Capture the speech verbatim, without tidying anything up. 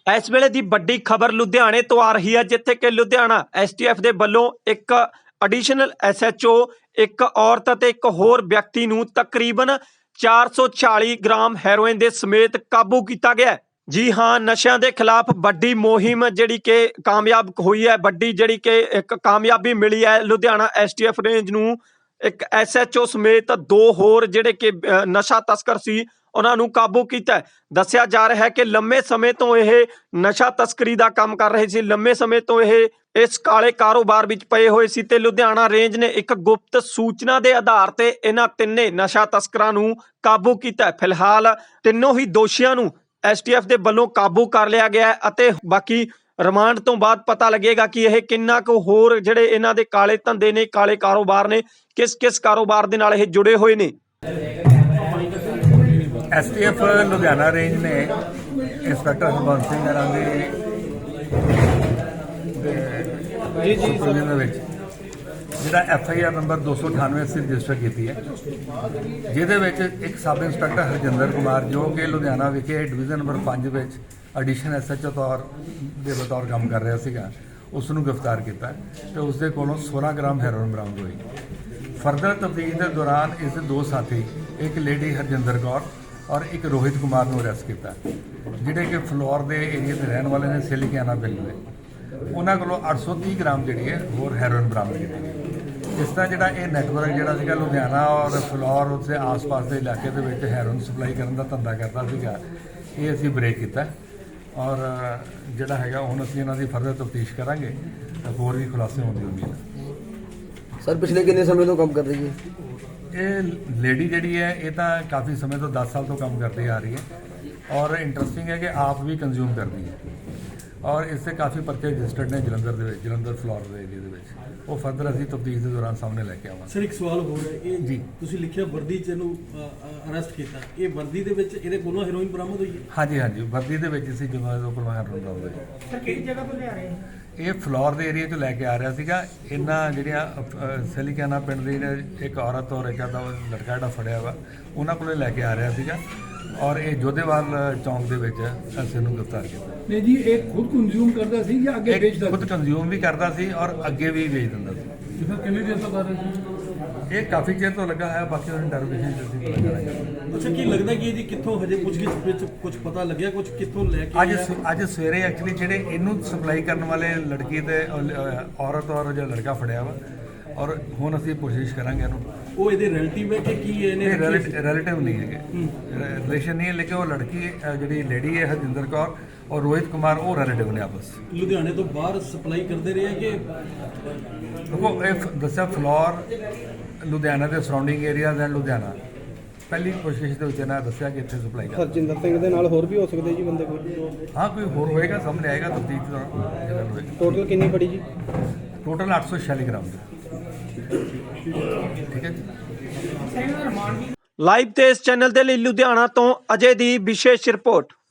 इस वेले दी वड्डी खबर लुधियाने तो आ रही है, जिथे कि लुधियाना एस टी एफ के वलों एक एडिशनल एस एच ओ एक औरत ते एक होर व्यक्ति नूं तकरीबन चार सौ चाली ग्राम हैरोइन दे समेत काबू किया गया है। जी हाँ, नशा के खिलाफ वड्डी मुहिम जिहड़ी कि कामयाब हुई है, वड्डी जिहड़ी कि एक कामयाबी मिली है Ludhiana S T F range नूं। एक एस एच ओ समेत दो होर जिहड़े कि नशा तस्कर सी उन्हां नूं काबू किया। दस्सिया जा रहा है कि लंबे समय तो यह नशा तस्करी का काम कर रहे सी, लंबे समय तो यह इस काले कारोबार विच पए होए सी ते लुधियाना रेंज ने एक गुप्त सूचना के आधार ते इन्हां तिन्ने नशा तस्करां नूं काबू किया। फिलहाल तिन्नों ही दोषियों नूं एस टी एफ के वलों काबू कर लिया गया है अते बाकी रिमांड तो बाद पता लगेगा कि यह किन्ना कु होर जिहड़े इन्हां दे काले धंधे ने, काले कारोबार ने, किस किस कारोबार दे नाल इह जुड़े हुए ने। S T F Ludhiana range ने इंस्पैक्टर हरबंस सिंह हरां दे सुपरविजन विच जिहड़ा एफ आई आर नंबर दो सौ अठानवे अस्सी रजिस्टर की है, जिहदे विच एक सब इंस्पैक्टर हरजिंदर कुमार जो कि लुधियाना विखे डिवीजन नंबर पाँच विच एडिशन एस एच ओ तौर दे बतौर काम कर रहा सीगा, उसनूं गिरफ्तार किया तो उसके कोलों सोलह ग्राम हैरोइन बरामद हुई। फर्दर तफ्तीश के दौरान इस दो साथी एक लेडी हरजिंदर कौर और एक रोहित कुमार को अरैसट किया, जिहड़े कि फ्लोर के एरिए के रहने वाले ने सिलिकाना पिंड में। उन्होंने को अठ सौ तीह ग्राम जी है होर हैरोइन बरामद की। इस तरह जोड़ा ये नैटवर्क जोड़ा लुधियाना और फ्लोर उसके आस पास के इलाके के हैरोइन सप्लाई करने का धंधा करता सीगा, ये असी ब्रेक किया और जोड़ा है हम असी इन्हों की फर्दर तफ्तीश करांगे तो होर भी खुलासे होने की उम्मीद है। सर पिछले कितने समय तो काम कर रही है ये लेडी जी है, ये तो काफ़ी समय तो दस साल तो काम करती आ रही है और इंटरस्टिंग है कि आप भी कंज्यूम करती है और इससे काफ़ी परचे रजिस्टर्ड ने जलंधर दे जलंधर फ्लोर के एरिए के वो फर्दर असी तफ्तीश के दौरान सामने लैके आवांगे। सर एक सवाल हो रहा है जी, तुसीं लिखिया वर्दी च इहनूं अरेस्ट किया, ये वर्दी दे विच इहदे कोलों हेरोइन बरामद हुई है? हाँ जी हाँ जी, वर्दी दे विच असीं ਜਦੋਂ ਇਹਦੇ ਕੋਲੋਂ ਹੈਰੋਇਨ ਬਰਾਮਦ ਹੋਈ। सर किहड़ी जगह तो ले आ रहे हैं? ਇਹ ਫਲੋਰ ਦੇ ਏਰੀਆ 'ਚੋਂ ਲੈ ਕੇ ਆ ਰਿਹਾ ਸੀਗਾ। ਇਹਨਾਂ ਜਿਹੜੀਆਂ ਸਿਲਿਕਾਨਾ ਪਿੰਡ ਦੀ ਇੱਕ ਔਰਤ ਔਰ ਇੱਕ ਦਾ ਲੜਕਾ ਜਿਹੜਾ ਫੜਿਆ ਵਾ ਉਹਨਾਂ ਕੋਲੇ ਲੈ ਕੇ ਆ ਰਿਹਾ ਸੀਗਾ ਔਰ ਇਹ ਜੋਧੇਵਾਲ ਚੌਂਕ ਦੇ ਵਿੱਚ ਅਸੀਂ ਇਹਨੂੰ ਗ੍ਰਿਫਤਾਰ ਕੀਤਾ। नहीं जी, एक खुद कंज्यूम करता सी या आगे ਇਹ बेचता ਖੁਦ ਕੰਜ਼ਿਊਮ ਵੀ ਕਰਦਾ ਸੀ ਔਰ ਅੱਗੇ ਵੀ ਵੇਚ ਦਿੰਦਾ ਸੀ। ਸੀ? सर कितने देर तो कर रहे थे? ਇਹ ਕਾਫੀ ਚਿਰ ਤੋਂ ਲੱਗਾ ਹੈ, ਬਾਕੀ ਉਹਨੂੰ ਇੰਟਰੋਗੇਸ਼ਨ ਜਲਦੀ ਪਤਾ ਕਰਾਂਗੇ। अच्छा की लगता है कि जी कित्थों हजे पुछगिछ विच कुछ पता लग्या, कुछ कित्थों लेके ਅੱਜ ਅੱਜ ਸਵੇਰੇ ਐਕਚੁਅਲੀ ਜਿਹੜੇ ਇਹਨੂੰ ਸਪਲਾਈ ਕਰਨ ਵਾਲੇ ਲੜਕੀ ਤੇ ਔਰਤ ਔਰ ਜਿਹੜਾ ਲੜਕਾ ਫੜਿਆ ਵਾ ਔਰ ਹੁਣ ਅਸੀਂ ਕੋਸ਼ਿਸ਼ ਕਰਾਂਗੇ ਇਹਨੂੰ। ਉਹ ਇਹਦੇ ਰਿਲੇਟਿਵ ਹੈ ਕਿ ਕੀ ਇਹਨੇ ਰਿਲੇਟਿਵ ਨਹੀਂ ਹੈਗੇ, ਰਿਲੇਸ਼ਨ ਨਹੀਂ ਹੈ, ਲੇਕਿਨ ਉਹ ਲੜਕੀ ਜਿਹੜੀ ਲੇਡੀ ਹੈ ਹਰਜਿੰਦਰ ਕੌਰ और रोहित कुमार वो रिलेटिव ने आपस लुधियाने तो बाहर सप्लाई करते रहे कि देखो ये दसा फ्लोर लुधियाना के सराउंडिंग एरियाज एंड लुधियाना पहली कोशिश के इन्होंने दसिया कि इतने सप्लाई कर हरजिंदर सिंह दे नाल होर भी हो सकते जी बंदे कोई? हाँ कोई होर होएगा, सामने आएगा तफ्तीश। टोटल कितनी पड़ी जी? टोटल आठ सौ छियाली ग्राम ठीक है जी। लाइव ते इस चैनल के लिए लुधियाना तो अजय दी विशेष रिपोर्ट।